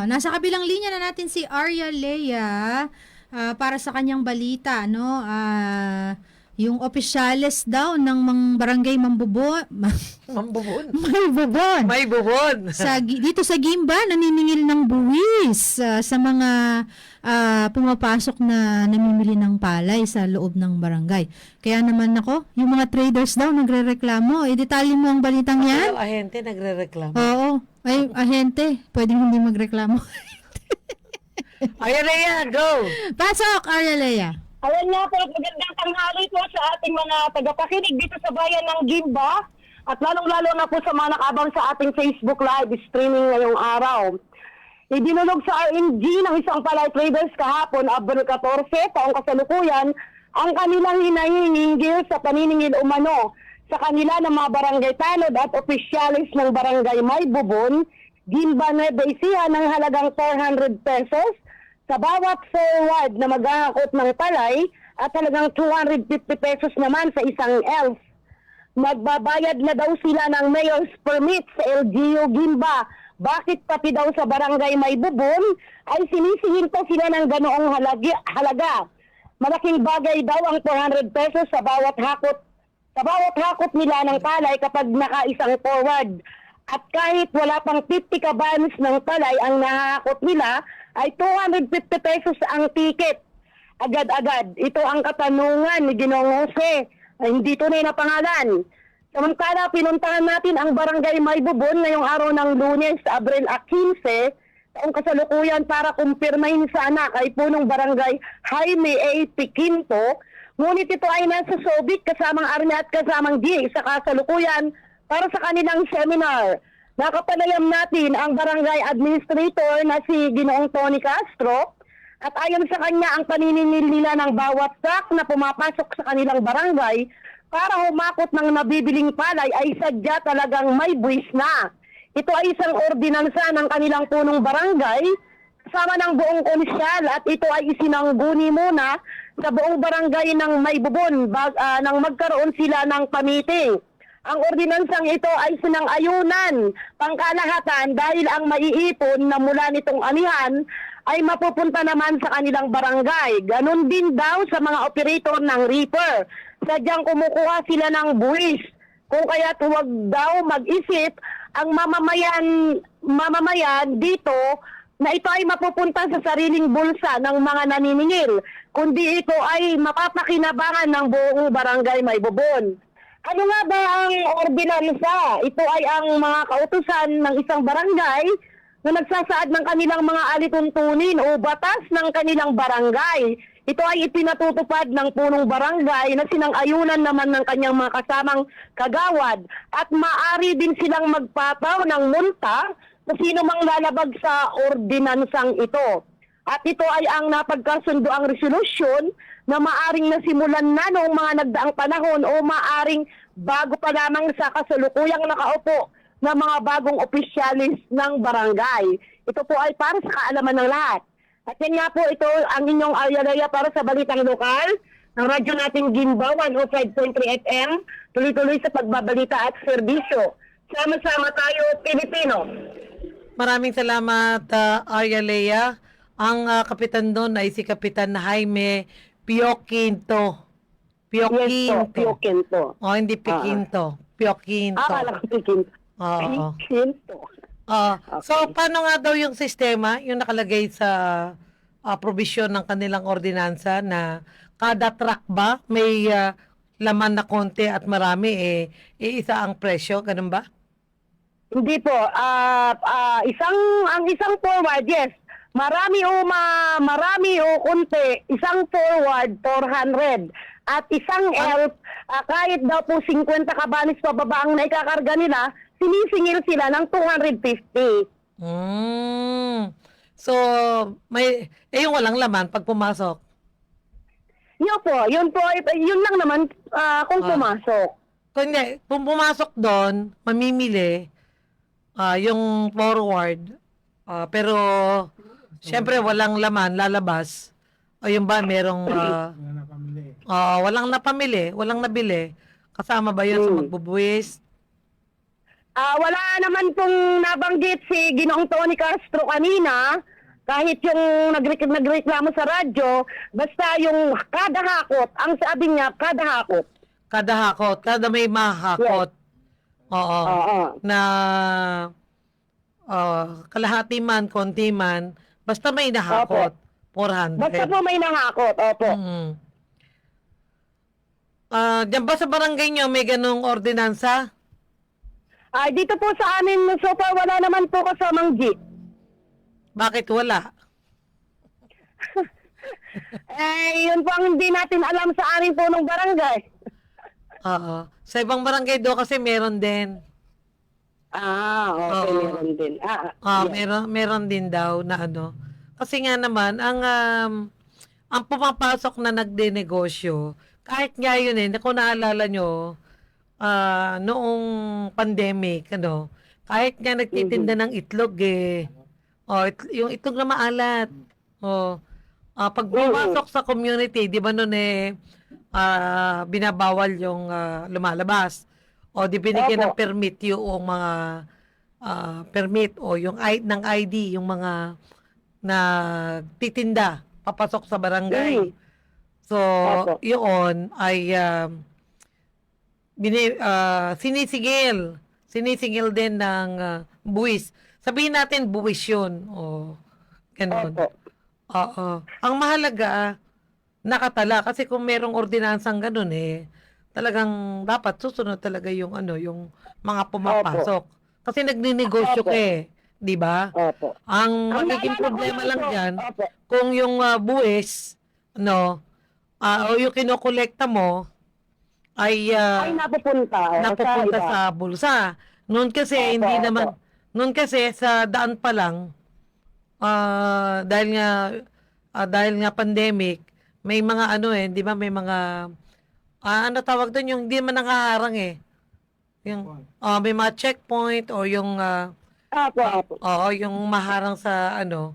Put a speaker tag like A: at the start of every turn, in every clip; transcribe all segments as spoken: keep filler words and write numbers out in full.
A: nasa kabilang linya na natin si Arya Lea ah, para sa kanyang balita, no? Ah, yung opisyales daw ng mga barangay Mambubon,
B: Mambubon.
A: may bubon.
B: May bubon.
A: Sa gi- dito sa Gimba naniningil ng buwis ah, sa mga ah, pumapasok na namimili ng palay sa loob ng barangay. Kaya naman ako, yung mga traders daw nagrereklamo. Eh, detalye mo ang balitang yan?
B: Yung ahente nagre-reklamo.
A: Oo. Ay, ahente, pwedeng hindi magreklamo.
B: Ayan na yan, go!
A: Pasok, Arya Lea.
C: Ayan nga po, magandang tanghali po sa ating mga tagapakinig dito sa bayan ng Gimba at lalong-lalo na po sa mga nakabang sa ating Facebook Live streaming ngayong araw. Idinulog sa R M G ng isang palay traders kahapon, Abril fourteen, taong kasalukuyan, ang kanilang hinahinginggil sa paniningil umano sa kanila ng mga barangay tanod at opisyalis ng barangay Maybubon, Gimba, Nueva Ecija ng halagang four hundred pesos sa bawat forward na maghahakot ng palay at talagang two hundred fifty pesos naman sa isang elf. Magbabayad na daw sila ng mayor's permit sa L G U Gimba. Bakit pati daw sa barangay Maybubon ay sinisingil pa sila ng ganoong halagi, halaga? Malaking bagay daw ang four hundred pesos sa bawat hakot sa bawat hakot nila ng palay kapag nakaisang forward. At kahit wala pang fifty kabanos ng palay ang nahahakot nila, ay two hundred fifty pesos ang ticket. Agad-agad. Ito ang katanungan ni Ginoong Jose. Ay, hindi tunay na pangalan. Samantala, pinuntahan natin ang barangay Maybubon ngayong araw ng Lunes, Abril fifteen, taong kasalukuyan para kumpirmahin sana kay punong barangay Jaime A. Piquinto. Ngunit ito ay nasa Sobic kasamang army at kasamang D A sa kasalukuyan para sa kanilang seminar. Nakapanayam natin ang barangay administrator na si Ginoong Tony Castro at ayon sa kanya ang paniningil nila ng bawat truck na pumapasok sa kanilang barangay para humakot ng nabibiling palay ay sadya talagang may buwis na. Ito ay isang ordinansa ng kanilang punong barangay kasama ng buong komisyal at ito ay isinangguni muna sa buong barangay ng Maybubon bag, uh, nang magkaroon sila ng pamiting. Ang ordinansang ito ay sinang-ayunan pangkalahatan dahil ang maiipon na mula nitong anihan ay mapupunta naman sa kanilang barangay. Ganon din daw sa mga operator ng reaper. Sadyang kumukuha sila ng buwis. Kung kaya't huwag daw mag-isip ang mamamayan, mamamayan dito na ito ay mapupunta sa sariling bulsa ng mga naniningil, kundi ito ay mapapakinabangan ng buong barangay Maybubon. Ano nga ba ang ordinansa? Ito ay ang mga kautusan ng isang barangay na nagsasaad ng kanilang mga alituntunin o batas ng kanilang barangay. Ito ay ipinatutupad ng punong barangay na sinang-ayunan naman ng kanyang mga kasamang kagawad at maaari din silang magpataw ng multa sa sino mang lalabag sa ordinansang ito. At ito ay ang napagkasundo ang resolusyon na maaring nasimulan na noong mga nagdaang panahon o maaring bago pa lamang sa kasalukuyang nakaupo ng mga bagong opisyalis ng barangay. Ito po ay para sa kaalaman ng lahat. At yan nga po ito ang inyong Arya Lea para sa Balitang Lokal ng radyo nating Gimba one oh five point three F M. Tuloy-tuloy sa pagbabalita at serbisyo. Sama-sama tayo, Pilipino.
B: Maraming salamat, uh, Arya Lea. Ang uh, kapitan doon ay si Kapitan Jaime Pioquinto. Pioquinto.
C: Yes po, Pioquinto.
B: O, hindi Piquinto. Pioquinto.
C: Ah, kala ko Pioquinto.
B: Oo.
C: Pioquinto.
B: Ah, so,
C: Okay.
B: paano nga daw yung sistema, yung nakalagay sa uh, provision ng kanilang ordinansa na kada truck ba may uh, laman na konti at marami, eh, iisa ang presyo, ganun ba?
C: Hindi po. Ah, ah, isang ang isang forward, yes. Marami o ma, marami o konti, isang forward four hundred. At isang elf, ah, kahit daw po fifty kabanis pababa ang naikakarga nila, sinisingil sila ng two hundred fifty.
B: Mm. So, may, eh yung walang laman pag pumasok.
C: Yun po, yun po, ay- yun lang naman ah, kung
B: Ah.
C: pumasok.
B: Kung hindi, kung pumasok doon, mamimili ah, yung forward, ah, pero syempre walang laman, lalabas. O yung ba, merong ah, ah, walang napamili, walang nabili. Kasama ba yun sa
C: Hmm.
B: magbubuwis?
C: Ah, wala naman pong nabanggit si Ginoong Tony Castro kanina, kahit yung nagre- nagreklamo sa radyo, basta yung kada hakot, ang sabi niya, kada hakot.
B: Kada hakot, kada may mahakot. Oo.
C: Oo.
B: Na ah, kalahati man, konti man, basta may nahakot. four hundred.
C: Basta po may nahakot, opo.
B: Mm. Ah, diyan ba sa barangay nyo may ganong ordinansa?
C: Ah, dito po sa amin, so far, wala naman po kasamang jeep.
B: Bakit wala?
C: Eh, yun po ang hindi natin alam sa amin po ng barangay.
B: Oo. Sa ibang barangay do kasi meron din.
C: Ah, okay,
B: Oo.
C: meron din. Ah,
B: Ah,
C: yeah.
B: meron meron din daw na ano. Kasi nga naman ang um, ang pumapasok na nagdenegosyo, kahit nga yun eh, kung naalala nyo, ah, noong pandemic, ano, kahit nga nagtitinda ng itlog eh, oh, it- yung itlog na maalat, oh, ah, pag pumasok sa community, di ba noon eh, ah, binabawal yung ah, lumalabas, o di binigyan ng
C: Opo.
B: permit yung mga ah, permit o yung I, ng I D, yung mga nagtitinda papasok sa barangay.
C: Mm.
B: So,
C: Opo.
B: yun ay um, bini, ah, sinisigil. Sinisigil din ng ah, buwis. Sabihin natin buwis yun. O, ganun.
C: Opo.
B: Oo. Ang mahalaga, nakatala. Kasi kung merong ordinansang ganun eh, talagang dapat susunod talaga yung ano, yung mga pumapasok. Kasi nagninegosyo
C: Opo.
B: ka eh. Di ba?
C: Opo.
B: Ang
C: Ang
B: magiging
C: naalala ko
B: problema lang
C: po,
B: dyan,
C: Opo.
B: kung yung ah, buwis, no, ah, o yung kinokolekta mo, ay ah,
C: Ay, napupunta. o,
B: napupunta
C: iba.
B: sa bulsa. Noon kasi,
C: Opo,
B: hindi
C: opo.
B: naman, noon kasi sa daan pa lang, ah, dahil nga, ah, dahil nga pandemic, may mga ano eh, di ba, may mga, ah, ano tawag doon, yung hindi man nakaharang eh. Yung, ah, may mga checkpoint o yung, ah,
C: Opo, opo.
B: oo, yung maharang sa ano,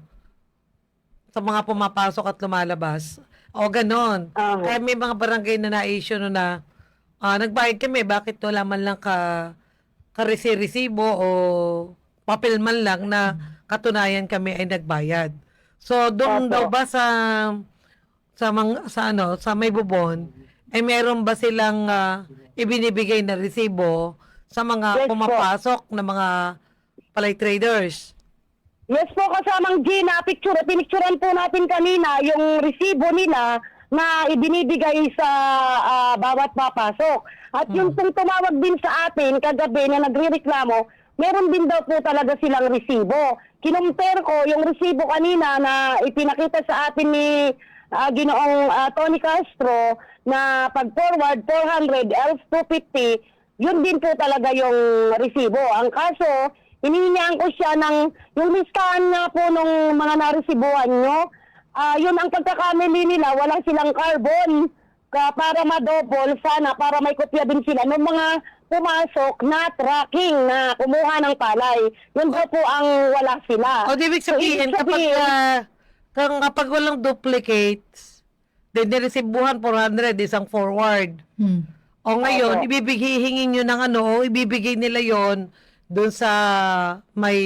B: sa mga pumapasok at lumalabas. O ganon.
C: Aha.
B: Kaya may mga barangay na na-issue no na ah, nagbayad kami, bakit wala man lang ka karesi-resibo o papel man lang na katunayan kami ay nagbayad. So doon
C: Opo.
B: daw ba sa sa mga, sa ano, sa may bubon, ay meron ba silang ah, ibinibigay na resibo sa mga
C: Yes po.
B: pumapasok na mga palay traders?
C: Yes po, kasamang G na picture, pinicturean po natin kanina yung resibo nila na ibinibigay sa ah, bawat papasok. At yung pong tumawag din sa atin kagabi na nagrereklamo, meron din daw po talaga silang resibo. Kinumpare ko yung resibo kanina na ipinakita sa atin ni ah, Ginoong ah, Tony Castro na pag-forward four hundred, else two fifty, yun din po talaga yung resibo. Ang kaso, hinihingihan ko siya ng yung listahan nga po nung mga naresibuhan nyo. Ah, yun ang pagkakamali nila, walang silang carbon ka para ma-double sana, para may kopya din sila ng mga pumasok na tracking na kumuha ng palay. Yun daw po ang wala sila.
B: O, di ibig
C: So,
B: sabihin,
C: ibig
B: kapag,
C: sabihin-
B: ah, kung, kapag walang duplicates, then niresibuhan four hundred, isang forward.
A: Hmm.
B: O ngayon,
C: Opo.
B: ibibigay, hingin nyo ng ano, o ibibigay nila yon doon sa may,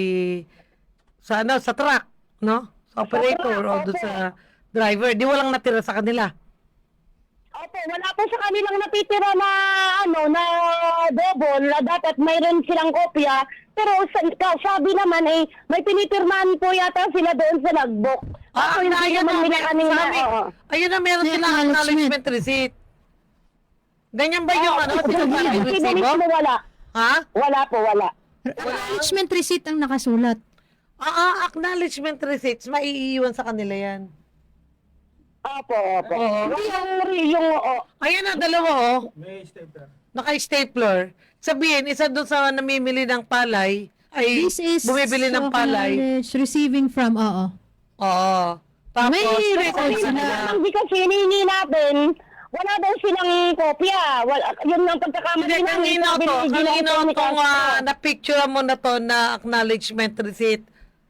B: sa ano, sa truck, no? Sa operator
C: truck,
B: o doon
C: opo.
B: sa driver. Di walang natira sa kanila.
C: Opo, wala po sa kanilang natitira na ano na double na dapat mayroon silang kopya. Pero sa, ka- sabi naman eh, may pinipirmahan po yata sila doon sa logbook.
B: Ah,
C: Ako, hindi
B: ayun
C: naman
B: na,
C: nila
B: may-
C: kanina.
B: sabi,
C: oo.
B: ayun na, meron
A: May
B: silang
A: acknowledgement.
B: acknowledgement receipt. Ganyan ba yung
C: Ah,
B: ano,
C: sa
B: sinasabi
C: resibo
B: resibo?
C: mismo wala.
B: Ha?
C: Wala po, wala.
A: Acknowledgement receipt ang nakasulat.
B: Ah, ah, acknowledgement receipts, maiiwan sa kanila yan.
C: Opo, opo.
B: Oo.
C: Yung, yung, oo.
B: Ayan na, dalawa oh. Naka-stapler. Sabihin, isa doon sa namimili ng palay, ay
A: This is
B: bumibili ng
A: so
B: palay.
A: acknowledged, receiving from, oo.
B: Oo. Tapos,
A: May
B: may
A: record
B: sa
A: sila.
B: kanila.
C: Hindi kasi hinihingi natin, wala daw silang kopya. Wala, yun ang pagkakamali
B: Hindi, kanino
C: sabi
B: to?
C: ni Ginoong
B: Kanino
C: Tony
B: itong
C: Castro.
B: uh, na-picture mo na to na acknowledgement receipt?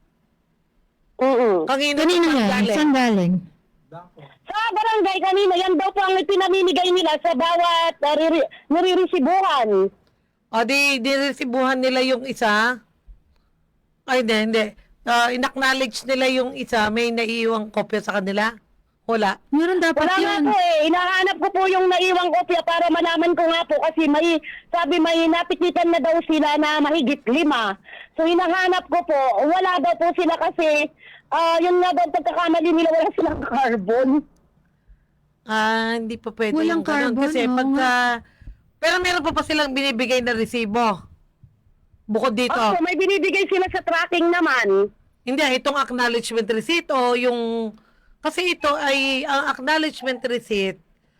C: Mm-mm.
B: Kanino
A: Kanino
B: to
A: yan?
B: galing?
A: Saan galing?
C: Sa barangay kanina, yan daw po ang pinamimigay nila sa bawat uh, riri- niririsiguhan.
B: O di, diresibuhan nila yung isa. Ay, hindi, hindi. Uh, in-acknowledge nila yung isa, may naiiwang kopya sa kanila? Wala.
A: Meron dapat
C: Wala nga
A: yun.
C: po eh. Inahanap ko po yung naiwang kopya para malaman ko nga po kasi may, sabi may napikitan na daw sila na mahigit lima. So hinahanap ko po, wala daw po sila kasi ah yun nga daw pagkakamali nila, wala silang carbon.
B: Ah, hindi pa pwede
A: Walang
B: yung ganun.
A: carbon,
B: Kasi
A: oo
B: pagka... Pero meron pa pa silang binibigay na resibo. Bukod dito.
C: Opo, may binibigay sila sa tracking naman.
B: Hindi, itong acknowledgement receipt o yung... Kasi ito ay, ang acknowledgement receipt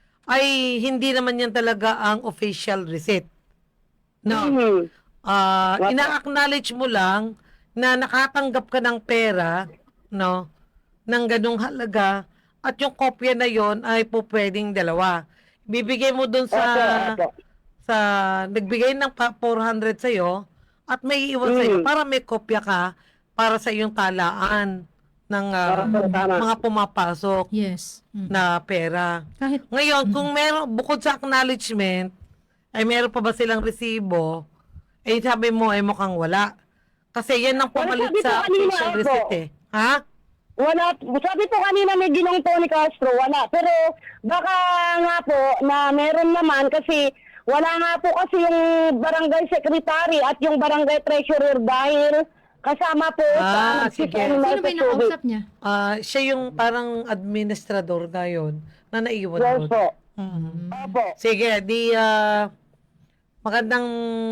B: ay hindi naman yan talaga ang official receipt. No.
C: Mhm.
B: Ah,
C: What?
B: ina-acknowledge mo lang na nakatanggap ka ng pera, no, ng ganung halaga at yung kopya na yon ay po pwedeng dalawa. Bibigay mo dun sa
C: Opo, opo.
B: sa nagbigay ng pa- four hundred sa at may iwan sa
C: Mm.
B: para may kopya ka para sa iyong talaan ng ah,
C: Opo, tama.
B: mga pumapasok
A: Yes. Mm.
B: na pera.
A: Kahit
B: Ngayon, kung meron, bukod sa acknowledgement, ay meron pa ba silang resibo, eh sabi mo, ay mukhang wala. Kasi yan ang
C: Wala,
B: pumalit
C: sabi ko
B: sa
C: kanina,
B: official
C: Epo.
B: receipt eh. Ha?
C: Wala, sabi po kanina may ginong Tony Castro, wala. Pero baka nga po na meron naman kasi wala nga po kasi yung barangay secretary at yung barangay treasurer dahil kasama po
B: Ah,
C: sa
B: sige.
C: nagsiseminar
A: sino ba
C: sa
A: yung
C: tubig.
A: nakausap niya?
B: Ah, siya yung parang administrador na yun, na naiwan
C: Yes
B: doon.
C: po.
B: Mhm.
C: Opo.
B: Sige, di ah, magandang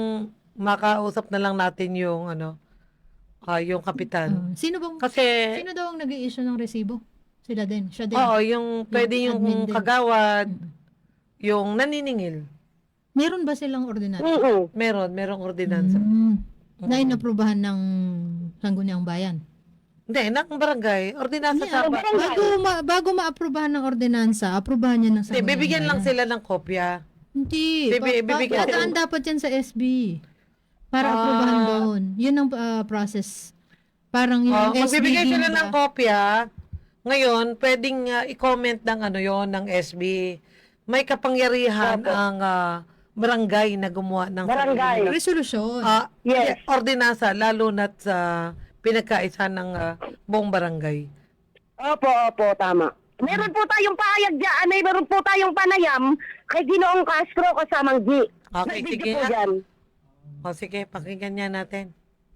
B: makausap na lang natin yung ano, ah, yung kapitan.
A: Uh, sino bang
B: Kasi
A: sino daw ang nag-i-issue ng resibo? Sila din. Siya din.
B: oo, yung pwede yung
A: admin din.
B: kagawad,
A: Mm.
B: yung naniningil.
A: Meron ba silang ordinance?
C: Mm-mm.
B: Meron, merong ordinansa.
A: Mm. Na inaprubahan ng Sangguniang Bayan.
B: Hindi, ng barangay. Ordinansa
A: Hindi,
B: sa
A: ah,
B: ba-
C: barangay.
A: bago, ma, bago maaprubahan ng ordinansa, aprubahan niya ng
B: Hindi,
A: Sangguniang
B: bibigyan lang
A: Bayan.
B: sila ng kopya.
A: Hindi.
B: Bibi-
A: Pa, pa,
B: bibigyan-
A: padaan dapat yan sa S B. Para
B: Ah.
A: aprubahan doon. Yun ang ah, process. Parang yung
B: Oh,
A: S B.
B: magbibigay sila
A: Gimba.
B: ng kopya. Ngayon, pwedeng ah, i-comment ng ano yon ng S B. May kapangyarihan
C: Opo.
B: ang ah, barangay na gumawa ng
C: Barangay.
A: Resolusyon.
B: Ah,
C: Yes.
B: ordinansa, lalo na't sa pinagkaisa ng ah, buong barangay.
C: Opo, opo, tama. Meron po tayong pahayag dyan, may meron po tayong panayam kay Ginoong Castro kasamang G.
B: Okay,
C: May
B: sige
C: video po
B: nga.
C: dyan.
B: O sige, pakinggan niya natin.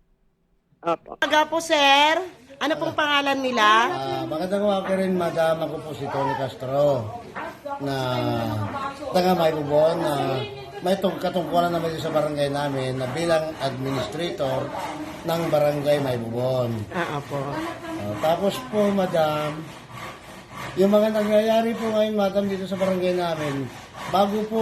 C: Opo.
D: Aga po, sir. Ano pong pangalan nila?
E: Ah, magandang umaga rin, madam. Ako po si Tony Castro na taga Maybubon na may tung katungkulan naman din sa barangay namin na bilang administrator ng barangay Maybubon.
D: Ah, po.
E: Ah, tapos po, madam, yung mga nangyayari po ngayon, madam, dito sa barangay namin, bago po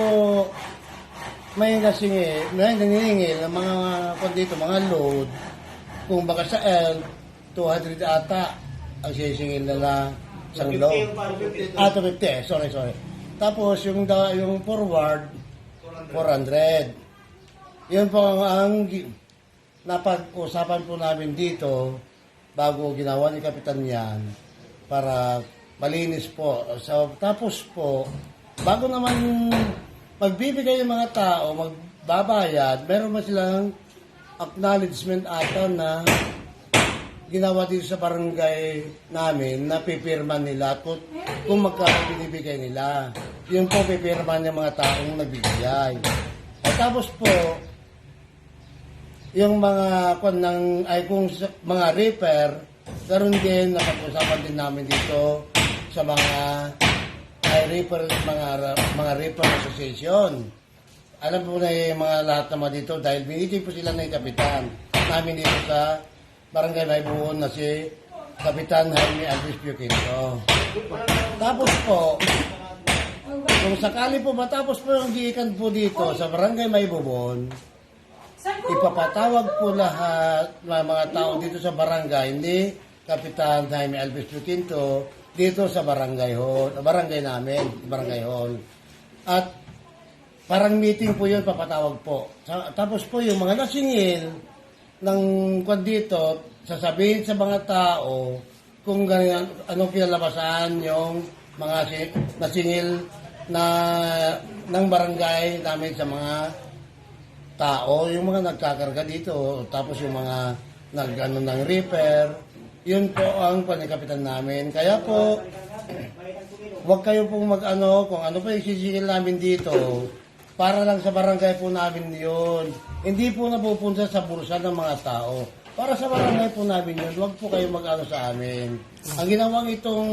E: may nasingil, may naniningil ng mga kung dito, mga load, kung baka sa L, two hundred ata ang sisingil nila sa load. Ah, two fifty, sorry, sorry. Tapos yung, da, yung forward, four hundred. Yun po ang, ang gi- napag-usapan po namin dito bago ginawa ni Kapitan yan para malinis po. So, tapos po, bago naman magbibigay yung mga tao, magbabayad, meron man silang acknowledgement ata na ginawa dito sa barangay namin na pipirma nila kung, kung magkano binibigay nila. Yun po pipirma ng mga taong nagbibigay. At tapos po, yung mga kung ng ay kung sa- mga repair, karon din napag-usapan din namin dito sa mga ay repair mga mga repair association. Alam po na yung mga lahat naman dito dahil binigay po sila ng kapitan namin dito sa Barangay Maybuon na si Kapitan Jaime Alvis Pioquinto. Tapos po, kung sakali po matapos po yung giikan po dito sa Barangay Maybuon, ipapatawag po lahat ng mga tao dito sa barangay ni Kapitan Jaime Alvis Pioquinto dito sa barangay hall, barangay namin, barangay hall. At parang meeting po yun, papatawag po. Sa- Tapos po yung mga nasingil ng kwan dito, sasabihin sa mga tao kung ganyan, anong kinalabasan yung mga si- nasingil na ng barangay namin sa mga tao, yung mga nagkakarga dito, tapos yung mga nag ano, ng repair, yun po ang panikapitan namin. Kaya po, huwag kayo pong mag-ano, kung ano pa yung sisigil namin dito, para lang sa barangay po namin yun. Hindi po napupunta sa bursa ng mga tao. Para sa barangay po namin yun, huwag po kayo mag-ano sa amin. Ang ginawang itong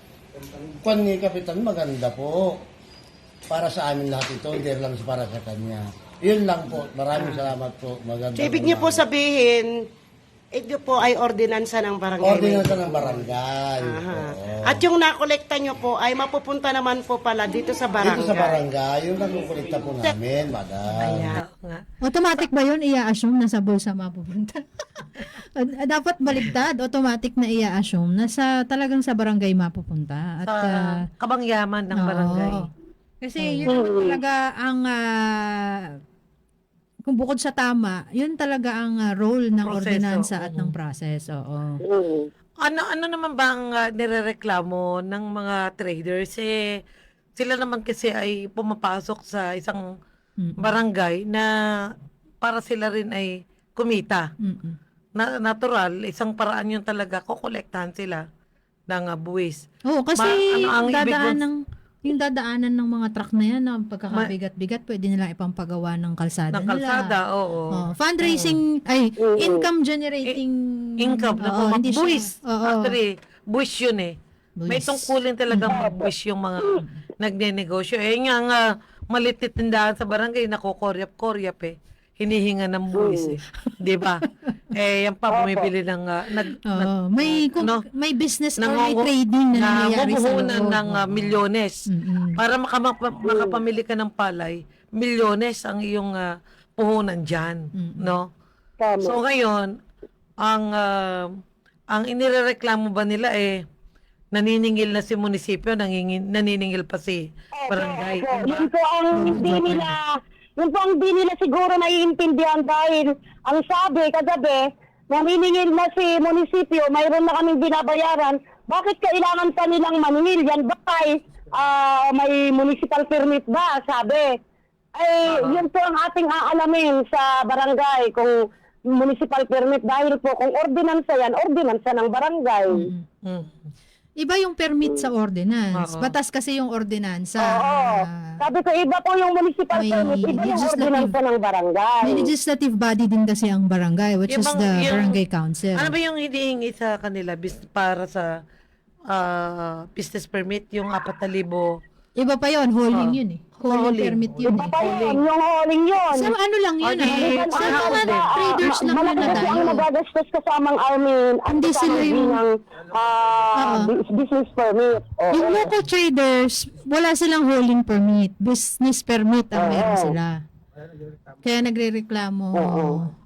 E: kwan ni Kapitan, maganda po. Para sa amin lahat ito, hindi lang para sa kanya. Yun lang po. Maraming salamat po. Maganda
D: So, ibig niyo po
E: namin.
D: sabihin, ito po ay ordinansa ng barangay.
E: Ordinansa ng barangay.
D: Aha.
E: Oo.
D: At yung nakolekta nyo po ay mapupunta naman po pala dito sa barangay.
E: Dito sa barangay, yung nakukulikta po namin, madam.
D: Ayan.
B: Oo nga.
A: Automatic ba yun? I-assume na sa bulsa mapupunta. Dapat baliktad. Automatic na i-assume na sa, talagang sa barangay mapupunta. At,
B: Sa
A: ah,
B: kabangyaman ng
A: oo.
B: barangay.
A: Kasi yun talaga ang ah, kung bukod sa tama, yun talaga ang ah, role ng
B: Proseso,
A: ordinansa at
B: oo.
A: ng process. Oo.
C: Mm.
B: Ano ano naman ba ang ah, nirereklamo ng mga traders? Eh, sila naman kasi ay pumapasok sa isang
A: Mm-mm.
B: barangay na para sila rin ay kumita.
A: Mm-mm.
B: Na, natural, isang paraan yun talaga, kukolektahan sila ng ah, buwis.
A: Oo, kasi
B: Ma- ano ang
A: yung
B: ibig
A: dadaan
B: mong-
A: ng yung dadaanan ng mga truck na yan, na pagkakabigat-bigat, pwede nila ipampagawa ng kalsada
B: Ng
A: nila.
B: kalsada, oo.
A: Oh, fundraising, ay, income generating
B: Income na
A: oo, hindi siya-
B: buwis.
A: Oo.
B: Actually, buwis yun eh. May
A: Buwis.
B: tungkulin talagang magbuwis yung mga nagnenegosyo. Eh nga nga, malitit tindahan sa barangay, nakukoryap-koryap eh. Hinihinga ng buwis eh. Di ba? Eh, yan pa, bumibili ng, ah, nag,
A: Oo,
B: nag,
A: may kung,
B: no?
A: may business or may
B: nangungu-
A: trading na nangyayari sa
B: nangunguhunan
A: loob.
B: ng ah, milyones.
A: Mm-mm.
B: Para makamapa, makapamili ka ng palay, milyones ang iyong ah, puhunan dyan.
A: Mm-mm.
B: No?
C: Tama.
B: So ngayon, ang ah, ang inirereklamo ba nila eh naniningil na si munisipyo, nangingin, naniningil pa si barangay.
C: Opo,
B: Diba?
C: yun po ang hindi nila, yun po ang hindi nila siguro naiintindihan dahil ang sabi kagabi, naniningil na si munisipyo, mayroon na kaming binabayaran, bakit kailangan pa nilang maningil? Yan ba ay ah, may municipal permit ba? Sabi. Ay, yun po ang ating aalamin sa barangay kung municipal permit dahil po kung ordinansa yan, ordinansa ng barangay.
B: Mm.
A: Iba yung permit sa ordinance.
B: Oo.
A: Batas kasi yung ordinansa.
C: Oo. Sabi ko, iba po yung municipal
A: May
C: permit, iba yung
A: legislative-
C: ordinansa ng barangay.
A: May legislative body din kasi ang barangay, which
B: Yung
A: is
B: bang-
A: the
B: yung-
A: barangay council.
B: Ano ba yung hinihingi sa kanila bis, para sa ah, business permit, yung apat na libo?
A: Iba pa yon, hauling
B: Oo.
A: yun eh. Hauling
B: Hauling.
A: permit yun
C: Iba
A: eh.
C: pa yun, yung hauling yun.
A: Sa ano lang yun
B: O, di-
A: ah. Sa
B: sa
A: mga
B: house din.
A: traders lang na
C: Malaki kasi
A: nadayo.
C: ang nagagastos kasamang armin at
A: Hindi
C: kasamang
A: sila yung-
C: ng ah,
A: Oo.
C: bus- business permit. Oo.
A: Yung local traders, wala silang hauling permit. Business permit ang
C: Oo.
A: meron sila. Kaya nagrereklamo.
C: Oo.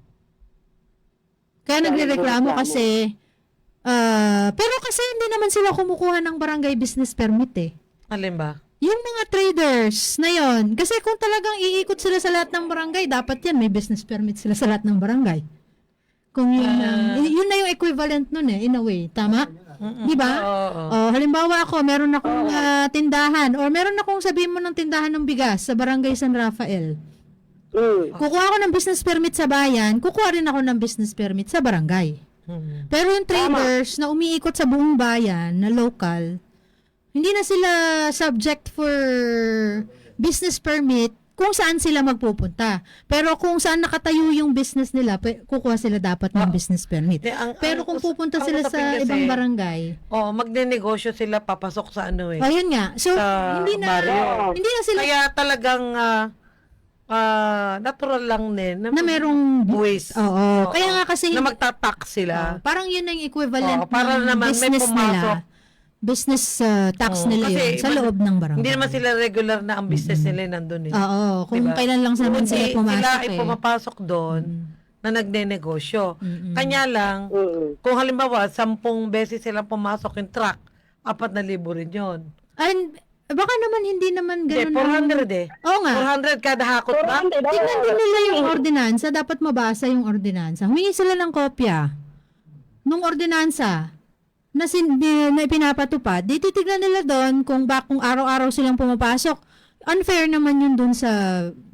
A: Kaya nagrereklamo kasi ah, pero kasi hindi naman sila kumukuha ng barangay business permit eh.
B: Alin ba?
A: Yung mga traders na yon, kasi kung talagang iikot sila sa lahat ng barangay, dapat yan, may business permit sila sa lahat ng barangay. Kung yun,
B: Ah.
A: ang- yun na yung equivalent nun eh, in a way. Tama? Di ba?
B: Oo.
A: Oh, halimbawa ako, meron akong ah, tindahan, or meron akong sabihin mo ng tindahan ng bigas sa barangay San Rafael.
C: Mm.
A: Kukuha ako ng business permit sa bayan, kukuha rin ako ng business permit sa barangay.
B: Mm.
A: Pero yung traders na umiikot sa buong bayan, na local, hindi na sila subject for business permit kung saan sila magpupunta. Pero kung saan nakatayo yung business nila, pe- kukuha sila dapat ng business permit.
B: Di, ang-
A: Pero
B: ang
A: kung
B: us-
A: pupunta
B: ang
A: sila
B: usapin
A: sa
B: kasi,
A: ibang barangay,
B: Oo, magnenegosyo sila, papasok sa ano eh.
A: ayun nga. So,
B: Sa
A: hindi na,
B: barrio.
A: hindi na sila
B: Kaya talagang ah, ah, natural lang din
A: na merong
B: buwis.
A: Oo. Kaya nga kasi
B: na
A: hindi-
B: magtatak sila.
A: Oh, parang yun ang equivalent
B: Oo, para
A: ng
B: naman may
A: business
B: pumasok.
A: nila. Business uh, tax
B: Oo,
A: nila
B: kasi
A: yun sa
B: iba-
A: loob ng barangay.
B: Hindi naman sila regular na ang business nila nandun eh.
A: Oo, kung
B: Diba?
A: kailan lang naman sila
B: Hindi,
A: pumasok
B: sila ay
A: eh.
B: pumapasok doon na nagnenegosyo. Kanya lang,
C: Mm.
B: kung halimbawa, sampung beses sila pumasok yung truck, apat na libo rin yun.
A: And baka naman hindi naman
B: Hindi,
A: ganun.
B: four
A: ang-
B: hundred eh.
A: Oo nga.
B: four hundred kada hakot ba?
A: Tingnan din nila yung ordinansa. Dapat mabasa yung ordinansa. Humingi sila ng kopya nung ordinansa na, sin, di- na ipinapatupad. Di titignan nila doon kung, ba, kung araw-araw silang pumapasok. Unfair naman yun doon sa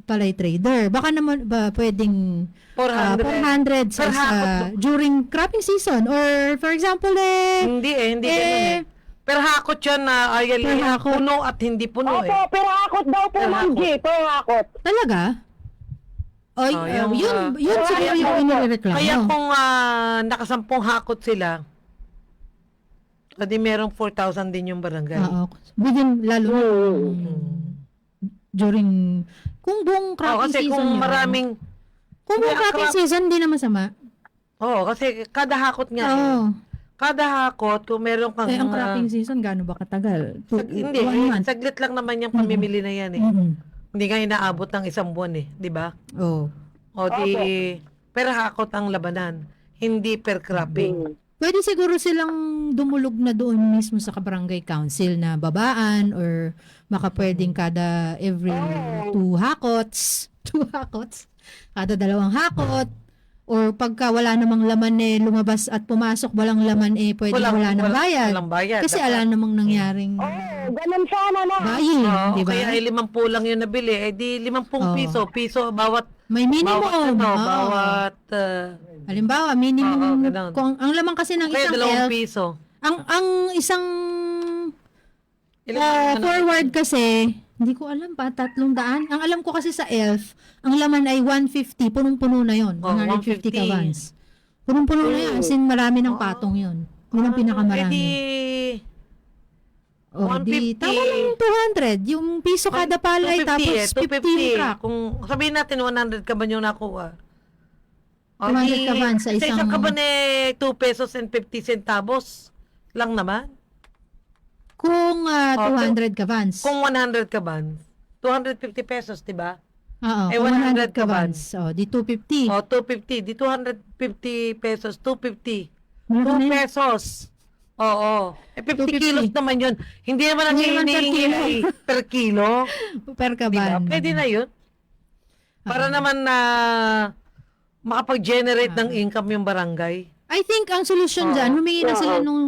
A: palay trader. Baka naman ba pwedeng
B: four
A: ah,
B: hundred.
A: four hundred sa,
B: Per
A: sa-
B: hakot.
A: during cropping season or for example eh
B: Hindi eh, hindi
A: Eh,
B: ganun eh. Pero hakot yun na Ariel,
A: per
B: eh,
A: hakot.
B: puno at hindi puno
C: Opo,
B: eh.
C: pero hakot daw po,
B: Per
C: Ma'am
B: hakot.
C: G, pero hakot.
A: talaga? Oy,
B: Oh,
A: ah,
B: yung,
A: yun,
B: ah,
A: yun
C: kaya
A: siguro yung
C: po-
A: inireklamo.
B: Kaya kung ah, nakasampung hakot sila, adi merong four thousand din yung barangay.
A: Oo. Within, lalo na
B: Hmm.
A: during, kung buong
B: Oo,
A: cropping
B: kasi
A: season
B: kung
A: yun.
B: maraming,
A: Kung buong
B: Kaya
A: cropping
B: crop-
A: season, hindi na masama.
B: oo, kasi kada hakot nga eh.
A: Oo.
B: Kada hakot, kung meron kang,
A: Eh, ang
B: ah,
A: cropping season, gaano ba katagal? Two,
B: sag- hindi,
A: one
B: eh,
A: month.
B: saglit lang naman yung pamimili na yan eh.
A: Mm-mm.
B: Hindi nga inaabot ng isang buwan eh, di ba?
A: Oo.
B: O di, per hakot ang labanan, hindi per cropping.
A: Pwede siguro silang dumulog na doon mismo sa barangay council na babaan or baka pwedeng kada every two hakots, two hakots, kada dalawang hakot, or pagka wala namang laman eh lumabas at pumasok walang laman eh pwede
B: Walang-
A: wala nang
B: walang-
A: bayad.
B: walang bayad.
A: Kasi
B: Dapat-
A: ala namang nangyaring
C: Oh, ganun sana na.
A: buying,
B: Oo,
A: di ba?
B: kaya ay limampu lang yung nabili, eh di limampung
A: Oo.
B: piso, piso bawat,
A: May minimum.
B: bawat ano,
A: Oo.
B: bawat, ah,
A: Halimbawa, minimum
B: Oo, ganun.
A: kung ang laman kasi ng
B: kaya
A: isang
B: dalawang
A: elf,
B: piso.
A: ang ang isang
B: Ilan
A: Ah,
B: ano,
A: forward kasi, hindi ko alam pa, tatlong daan. Ang alam ko kasi sa elf, ang laman ay one fifty, punong-puno na yon,
B: Oh,
A: one hundred fifty
B: one fifty.
A: kawans. Punong-puno na yan, as in marami ng patong yon. Yun ang
B: Eh
A: pinakamarami.
B: di,
A: Oh,
B: one
A: di,
B: fifty.
A: tama lang yung two hundred, yung piso kada palay,
B: two fifty
A: tapos
B: eh, two
A: fifteen
B: fifty.
A: truck.
B: Kung sabihin natin one hundred ka ba yung nakuha? O,
A: two hundred
B: di-
A: kaban sa isang-
B: isang kaban eh, two pesos and fifty centavos lang naman.
A: Kung ah,
B: Oh,
A: two hundred kawans.
B: Kung one hundred kaban, two hundred fifty pesos, di ba?
A: Oo,
B: eh,
A: kung
B: one
A: one hundred
B: hundred
A: kawans. Oh, di two fifty.
B: O, two fifty. Di two hundred fifty pesos, two fifty.
A: Malaki
B: two
A: na yun.
B: pesos. Oo. Eh, fifty
A: two fifty.
B: kilos naman yun. Hindi naman ang
A: Hindi naman per
B: hinihingi
A: kilo.
B: ay per kilo.
A: Per
B: Di ba?
A: kaban.
B: Pwede na yun. Para naman na makapag-generate ng income yung barangay.
A: I think ang solusyon dyan, humingi na sila nung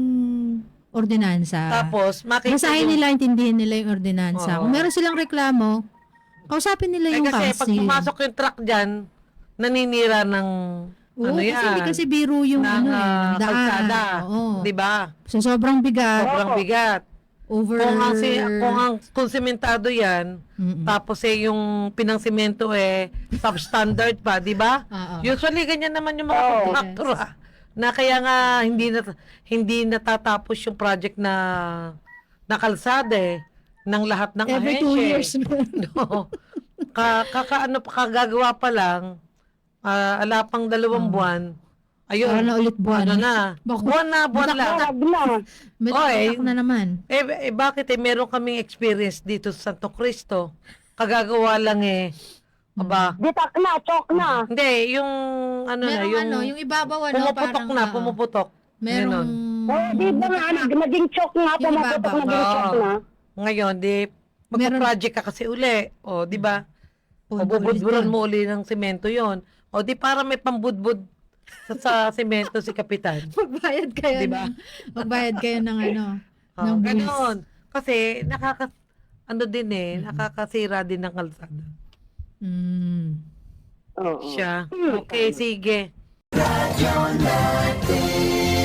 A: ordinansa.
B: Tapos, makita
A: Basahin
B: yung-
A: nila, intindihin nila yung ordinansa.
B: Oo.
A: Kung meron silang reklamo, kausapin nila
B: Eh,
A: yung
B: kasi pag
A: council.
B: pumasok yung truck dyan, naninira ng
A: Oo,
B: ano
A: kasi
B: yan,
A: hindi kasi biro yung
B: ng
A: ano, eh,
B: ah,
A: daan.
B: kalsada.
A: Oo.
B: Di ba?
A: So, sobrang bigat.
B: Sobrang bigat.
A: Over...
B: Kung ang, si, kung ang kung sementado yan,
A: Mm-mm.
B: tapos eh yung pinangsimento eh substandard pa, di ba?
A: Oo.
B: Usually ganyan naman yung mga
C: Oo.
B: contractor ah. Na kaya nga hindi na hindi natatapos yung project na na kalsada eh ng lahat ng
A: Every
B: ahensya.
A: two
B: eh.
A: years.
B: No. Ka, kakaano pa kagagawa pa lang, ah, ala pang dalawang buwan. Ayun.
A: Para na ulit buwan.
B: Ano na?
A: Bako-
B: Buwan na, buwan lang.
C: Wag na.
A: May
B: Oy.
A: tatak na naman.
B: Eh, eh bakit eh meron kaming experience dito sa Santo Cristo. Kagagawa lang eh. Aba.
C: Ditak na, chok na.
B: Hindi, yung ano na,
A: Merong
B: yung
A: ano, yung ibabaw ano,
B: pumuputok
A: parang,
B: na,
A: oo.
B: pumuputok.
A: Merong...
B: Ganon.
C: Oh, di ba nga, nag- naging chok nga,
A: Yung
C: pumaputok
A: ibabaw.
C: naging chok
B: Oo.
C: na.
B: Ngayon, di,
A: Meron-
B: magpa-project ka kasi uli. O, di ba? O,
A: Punto
B: bubudburan
A: ulit
B: mo uli ng semento yon. O, di para may pambudbud sa, sa semento si Kapitan.
A: Magbayad kayo
B: Diba?
A: ng, magbayad kayo ng ano,
B: O,
A: ng buwis.
B: ganon. Kasi, nakaka, ano din eh, nakakasira din ng kalsada.
A: Mm.
C: Oo.
B: Siya. Okay, sige.